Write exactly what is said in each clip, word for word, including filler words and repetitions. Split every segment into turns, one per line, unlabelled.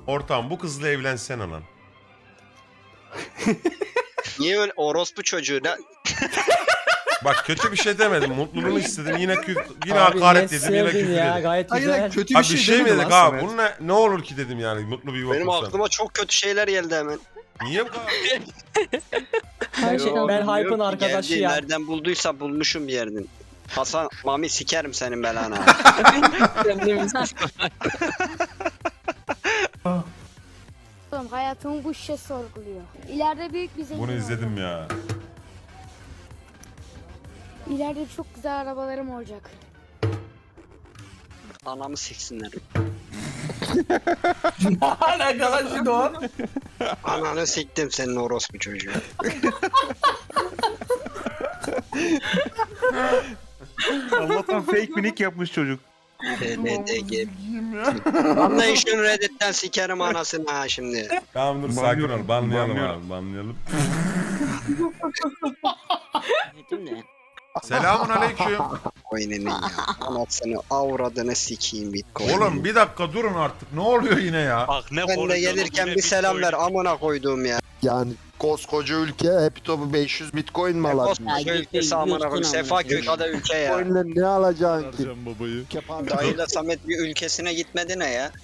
Ortam bu kızla evlensene lan.
Niye öyle orospu çocuğu ne?
Bak kötü bir şey demedim. Mutluluğunu istedim. Yine kü yine
Abi
hakaret
ne
dedim. Yine
sevdin
küfür
ya,
dedim.
gayet
Hayır
güzel.
hayır, kötü bir
Abi
şey,
bir şey mi
demedim
dedik
lan
abi?
Samet.
Bunun ne, ne olur ki dedim yani. Mutlu bir yuva
Benim
kursan.
aklıma çok kötü şeyler geldi hemen.
Niye bu kadar?
Her şey,
Yo,
ben
bilmiyorum
Hype'ın
ki,
arkadaşı
geldi,
ya.
Nereden bulduysa bulmuşum bir yerden. Hasan, Mami sikerim senin belanı.
Oğlum hayatımı bu şişe sorguluyor. İleride büyük bir zengin
Bunu izledim
olacağım.
ya.
İleride çok güzel arabalarım olacak.
Anamı siksinler.
Alakalı şimdi o.
Ananı siktim senin orospu çocuğu.
Allah'tan fake minik yapmış çocuk.
D D G. Anlayın şunu Reddit'ten sikerim anasını ha şimdi.
Tamam dur sakin
Banlıyorum,
ol. Banlayalım
banlıyorum.
abi. Banlayalım.
Dedim ne?
Selamun aleyküm.
Coin'ini ya. Anasını avradını sikeyim Bitcoin.
Oğlum bir dakika durun artık. Ne oluyor yine ya?
Bak ne
Ben de
konuşuyorsun,
gelirken
yine
bir selam ver
Bitcoin.
amına koyduğum ya.
Yani koskoca ülke hep topu beş yüz bitcoin mi alabilir?
Koskoca ülkesi amına koyayım. Sefaköy kadar ülke ya.
Bitcoin'le ne alacaksın ki?
Vereceğim babayı.
Kepan-
Dayıyla Samet bir ülkesine gitmedi ne ya?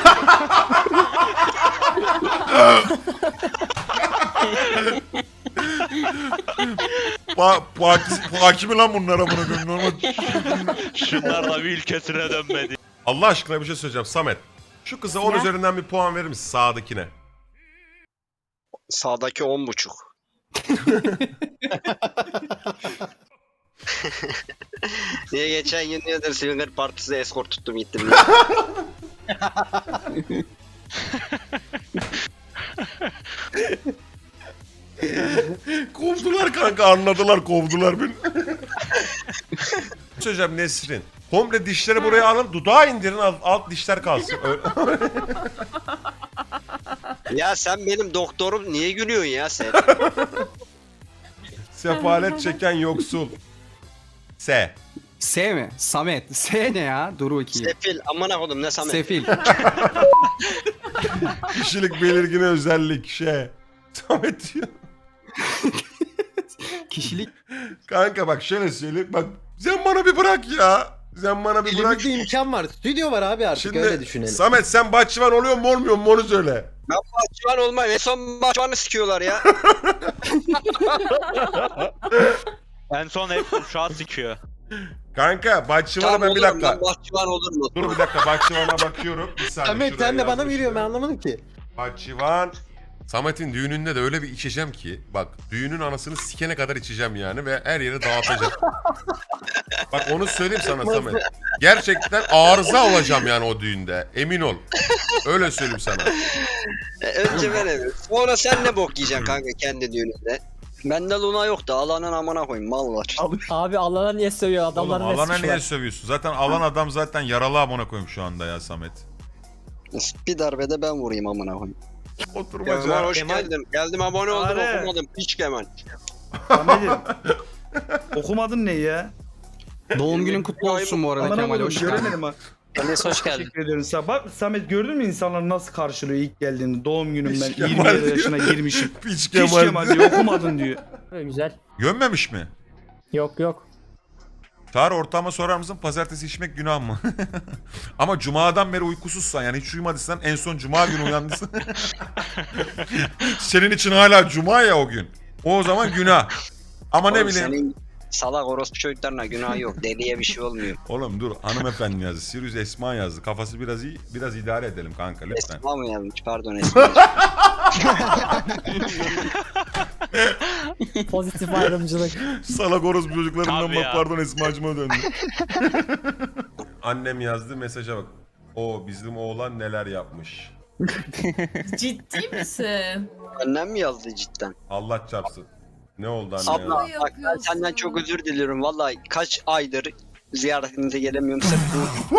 Pa Paki Paki mi lan bunlara bunu koyayım? Normal.
Şunlar da bir ülkesine dönmedi.
Allah aşkına bir şey söyleyeceğim Samet. Şu kıza on
Ya.
üzerinden bir puan verir misin sağdakine?
Sağdaki on buçuk. Niye geçen gün diyordur Swinger Partisi escort tuttum gittim. Ya.
Kovdular kanka anladılar kovdular beni. Söyleyeceğim Nesrin. Komple dişleri buraya alın dudağı indirin alt, alt dişler kalsın. Öyle-
Ya sen benim doktorum niye gülüyorsun ya sen?
Sefalet çeken yoksul. S.
S mi? Samet. S ne ya? Dur bakayım.
Sefil amına koydum ne Samet?
Sefil.
Kişilik belirgin özellik şey. Samet diyor.
Kişilik.
Kanka bak şöyle söyleyeyim. Bak sen bana bir bırak ya. Sen bana bir bırak.
Elimizde imkan var. Stüdyo var abi artık öyle
Şimdi
düşünelim.
Samet sen bahçıvan oluyor mu olmuyor mu onu söyle.
Ben bahçıvan olmam. En son bahçıvanı sikiyorlar ya.
En son hep uşağı sikiyor.
Kanka bahçıvana
Tamam
ben bir
olurum,
dakika.
ben bahçıvan olur mu?
Dur bir dakika bahçıvana bakıyorum. Bir saniye.
Samet
şuraya
sen de bana
yazmışlar.
veriyor ben anlamadım ki.
Bahçıvan. Samet'in düğününde de öyle bir içeceğim ki. Bak düğünün anasını sikene kadar içeceğim yani ve her yere dağıtacağım. Bak onu söyleyeyim sana Samet. Gerçekten arıza olacağım yani o düğünde. Emin ol. Öyle söyleyeyim sana.
E, önce ben evet. Sonra sen ne bok yiyeceksin kanka kendi düğününde. Bende Luna yok da alanın amına koyayım mal var.
Abi Allah'a niye sövüyor
Oğlum
adamların
alana
resmi
niye
var.
sövüyorsun? Zaten alan adam zaten yaralı amına koyayım şu anda ya Samet.
Bir darbede ben vurayım amına koyayım. Kemal
Oturmaca.
hoş
Kemal-
geldin. Geldim abone oldum
Are.
okumadım. Piç Kemal.
Samet'im. Okumadın ne ya?
Doğum günün kutlu olsun bu arada
Amına
Kemal.
koydum,
Hoş geldin.
göremedim ha.
Enes hoş geldin.
Teşekkür ederim sana. Bak Samet gördün mü insanlar nasıl karşılıyor ilk geldiğinde? Doğum günüm ben
Piç
yirmi
Kemal
yedi
diyor.
yaşına girmişim.
Piç
Piç
Kemal.
Kemal diyor okumadın diyor.
Böyle güzel.
Gömmemiş mi?
Yok yok.
Çağrı ortağıma sorar mısın? Pazartesi içmek günah mı? Ama cumadan beri uykusuzsan yani hiç uyumadıysan en son cuma günü uyandıysan. Senin için hala cuma ya o gün. O zaman günah. Ama ne
Oğlum
bileyim.
Senin salak orospu çocuklarına günah yok. Deliye bir şey olmuyor.
Oğlum dur hanımefendi yazdı. Sirius Esma yazdı. Kafası biraz iyi. Biraz idare edelim kanka lütfen.
Esma mı yazmış? Pardon Esma.
Pozitif ayrımcılık.
Salak orospu çocuklarından
Tabii
bak
ya.
pardon Esma'cıma döndü. Annem yazdı mesaja bak. O bizim oğlan neler yapmış.
Ciddi misin?
Annem mi yazdı cidden?
Allah çarpsın. Ne oldu anne ya?
Abla bak ben senden çok özür diliyorum. Vallahi kaç aydır ziyaretinize gelemiyorum. Sırf bu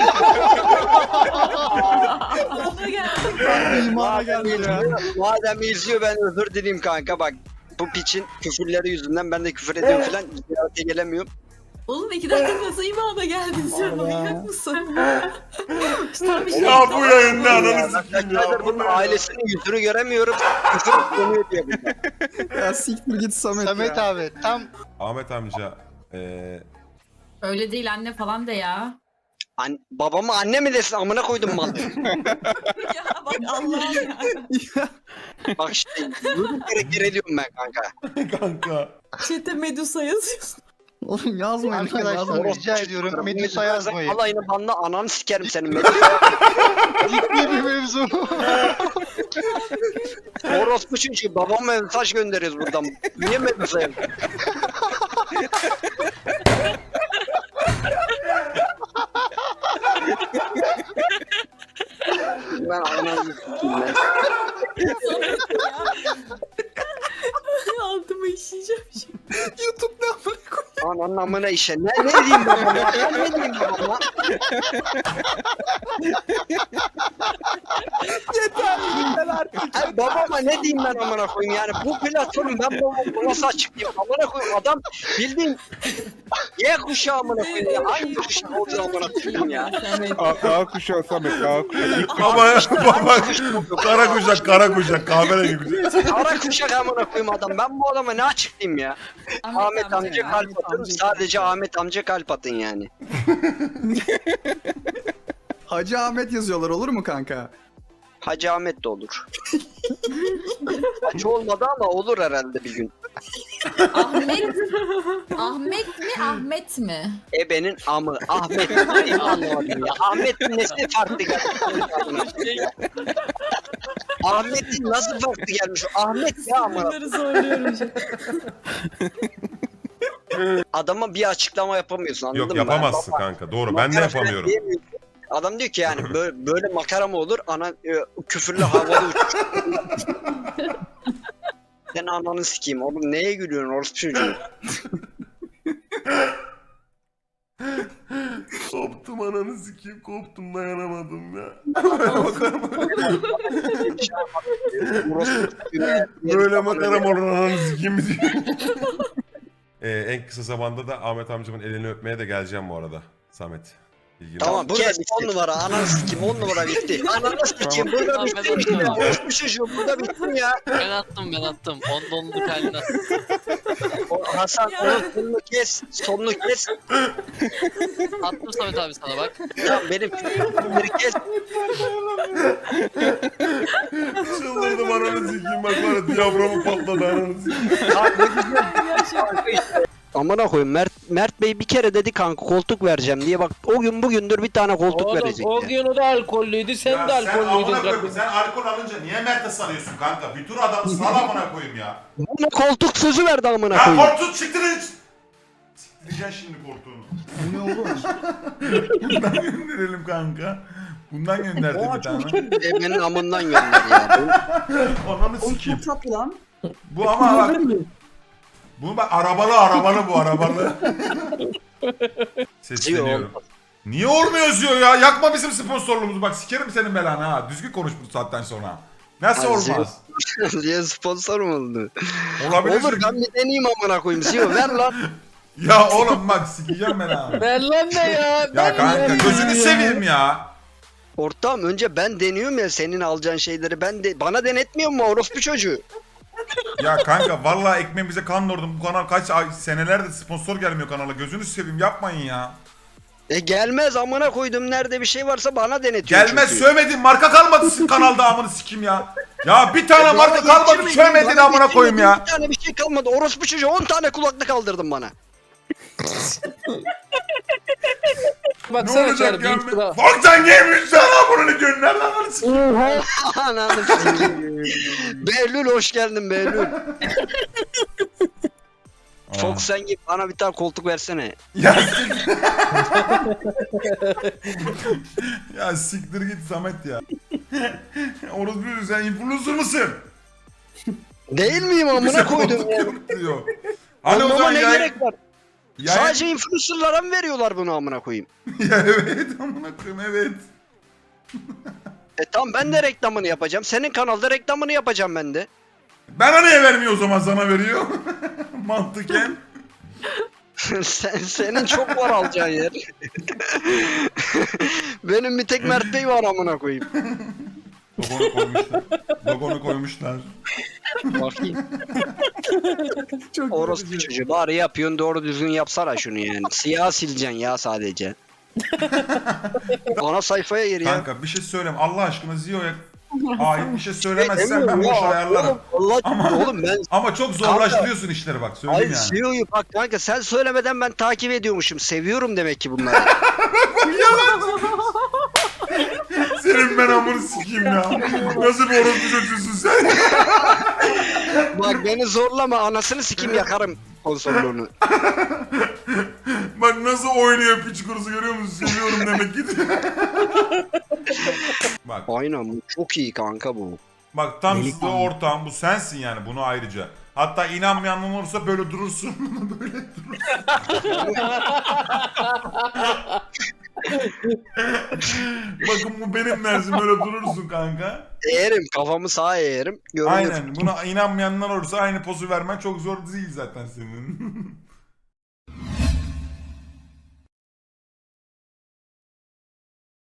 Ona geldi.
İmana geldi ya.
madem izliyor ben özür dileyim kanka bak. Bu piçin küfürleri yüzünden ben de küfür ediyorum falan. Ziyarete gelemiyorum.
Oğlum iki dakika nasıl imana geldin sen? Manyak mısın? Tam bir şey
Ya bu
yapamadım.
yayında ananı sikeyim ya.
Arkadaşlar bunun ailesinin yüzünü göremiyorum. Küfür konuyor diye bunlar.
Ya siktir git Samet,
Samet
ya.
abi tam
Ahmet amca. Eee...
Öyle değil anne falan de ya.
An babama anne mi desin amına koydum mal.
Ya bak Allah'ım ya.
Bak işte yürü kere kere diyorum ben kanka.
Kanka.
Çete Medusa yazıyorsun.
Oğlum yazmayın.
arkadaşlar
yazmayın.
rica ediyorum Medusa yazmayın.
Alayını banla ananı sikerim senin Medusa.
Ciddi bir mevzu.
Orospu çünkü babama mesaj gönderiyoruz buradan. Niye Medusa yazıyorsun? Ben ananı sikeyim ben.
Samet ya. Altıma işeyeceğim şimdi.
YouTube ne amına koyayım?
Ananın amına işe. Ne, ne diyeyim babama? Ben ne diyeyim babama? Ay, babama ne diyeyim ben amına koyayım yani bu platform ben babama nasıl açıklayayım amına koyayım adam bildiğin Y kuşağı amına koyayım ya hangi kuşak oluyor amına koyayım ya.
A kuşağı Samet A kuşağı.
Baba baba. Kara kuşak kara kuşak. Kahverengi kuşak.
Ara kuşak amına koyayım adam ben bu adama ne açıklayayım ya. Ahmet amca
ya,
kalp atın sadece Ahmet amca kalp atın yani.
Hacı Ahmet yazıyorlar, olur mu kanka?
Hacı Ahmet de olur. Hacı olmadı ama olur herhalde bir gün.
Ahmet. Ahmet mi Ahmet mi?
Ebenin amı Ahmet ne anlamadım ya. Ahmet'in nesi farklı gelmiş? Ahmet'in nasıl farklı gelmiş? Ahmet ya ama
Bunları zorluyorum şu an.
adama bir açıklama yapamıyorsun anladın
Yok
mı?
yapamazsın kanka. Doğru. Ben de
Makara
yapamıyorum.
diyemiyorsun. Adam diyor ki yani böyle, böyle makara mı olur? Ana e, küfürlü havada uçuş. Sen ananı sikeyim oğlum neye gülüyorsun orospu çocuğu?
Koptum ananı sikeyim. Koptum dayanamadım ya.
Orospu çocuğu.
Böyle makaram olur ananı sikeyim mi diyor. Ee, en kısa zamanda da Ahmet amcamın elini öpmeye de geleceğim bu arada. Samet. İlgili.
Tamam kes on numara ananı sikeyim on numara bitti. Ananı sikeyim burada bitti işte. Orospu çocuğu burada bitti ya.
Ben attım ben attım. On donluk haline attım.
O Hasan onun sonunu kes. Sonunu kes.
Attım Samet abi sana bak.
Tamam benim sonunu kes.
Çıldırdım ananı sikeyim bak var ya diyaframı patladı ananı sikeyim.
Amına koyayım Mert Mert Bey bir kere dedi kanka koltuk vereceğim diye bak o gün bugündür bir tane koltuk verecek.
o
ya.
gün o da alkollüydü sen
Ya sen amına koyayım, sen alkol alınca niye Mert'e sarıyorsun kanka? Bir tur adamı sal amına koyayım ya.
Bana koltuk sözü verdi amına
Ya
koyayım.
korktun siktirin. Siktireceksin şimdi korktuğunu.
Bu ne oğlum?
Bundan gönderelim kanka. Bundan gönderdi bir tane.
Ebenin amından gönder ya.
Ananı sikeyim.
tatlı lan.
Bu ama bak. Bu bak arabalı arabalı bu arabalı. Sesleniyorum. Niye olmuyor yazıyor ya? Yakma bizim sponsorluğumuzu. Bak sikerim senin belanı ha. Düzgün konuş bu saatten sonra. Nasıl
Ha,
olmaz?
diye sponsor mu oldu?
Olabilir.
Olur ben bir deneyeyim amına koyayım. Ziyo ver lan.
Ya oğlum bak sikeceğim ben ha.
Ver lan ne ya?
Ya kanka gözünü seveyim ya.
Ortağım önce ben deniyorum ya senin alacağın şeyleri. Ben de bana denetmiyor mu orospu çocuğu?
Ya kanka vallahi ekmeğimize kan doğurdum. Bu kanal kaç ay senelerdir sponsor gelmiyor kanala. Gözünü seveyim yapmayın ya.
E gelmez amına koydum nerede bir şey varsa bana denetiyor.
Gelmez
çünkü.
sövmedin marka kalmadı sizin kanalda amını sikim ya. Ya bir tane
Ya
marka
bana
kalmadı
geçirmedin,
sövmedin
bana
amına koyayım ya.
Bir tane bir şey kalmadı. Orospu çocuğu on tane kulaklık kaldırdın bana.
Ne olacak ya? Bak sen giymiş sana bunu gönder lan amını sikim.
Ananı sikeyim. Behlül hoş geldin Behlül. Fox sen git bana bir tane koltuk versene.
Ya siktir. Ya siktir git Samet ya. Orası sen influencer mısın?
Değil miyim amına
Bize
koydum
koltuk
ya.
yok diyor. Hani o
Anlama
zaman
ne
yayın...
gerek var?
yayın-
Sadece influencerlara mı veriyorlar bunu amına koyayım?
Ya evet amına koyayım evet.
E tamam ben de reklamını yapacağım. Senin kanalda reklamını yapacağım ben de.
Bana niye vermiyor o zaman sana veriyor? Mantıken.
Sen, senin çok var alacağın yer. Benim bir tek Mert Bey var amına koyayım.
Logonu koymuşlar. Logonu koymuşlar.
Bakayım.
Çok
Orospu
güzel.
çocuğu. Bari yapıyorsun doğru düzgün yapsana şunu yani. Siyah sileceksin ya sadece. Ana sayfaya gir ya.
Kanka bir şey söyleyeyim. Allah aşkına Zio'ya ait bir şey söylemezsen ben
Demiyorum
bu işi
ya,
ayarlarım.
Oğlum, Allah
Ama-
oğlum ben
Ama çok zorlaştırıyorsun işleri bak söyleyeyim
Ay
yani.
C E O'yu bak kanka sen söylemeden ben takip ediyormuşum. Seviyorum demek ki bunları.
Senin ben amını sikeyim ya. Nasıl bir orospu çocuğusun sen?
Bak beni zorlama anasını sikim yakarım konsolunu.
Bak nasıl oynuyor piç kurusu görüyor musun? Seviyorum demek ki. Bak
Aynen bu çok iyi kanka bu.
bak tam size ortağım bu sensin yani bunu ayrıca. Hatta inanmayan olursa böyle durursun. Böyle durursun. Bakın bu benim dersim böyle durursun kanka.
Eğerim kafamı sağa eğerim. Görünür.
Aynen buna inanmayanlar olursa aynı pozu vermen çok zor değil zaten senin.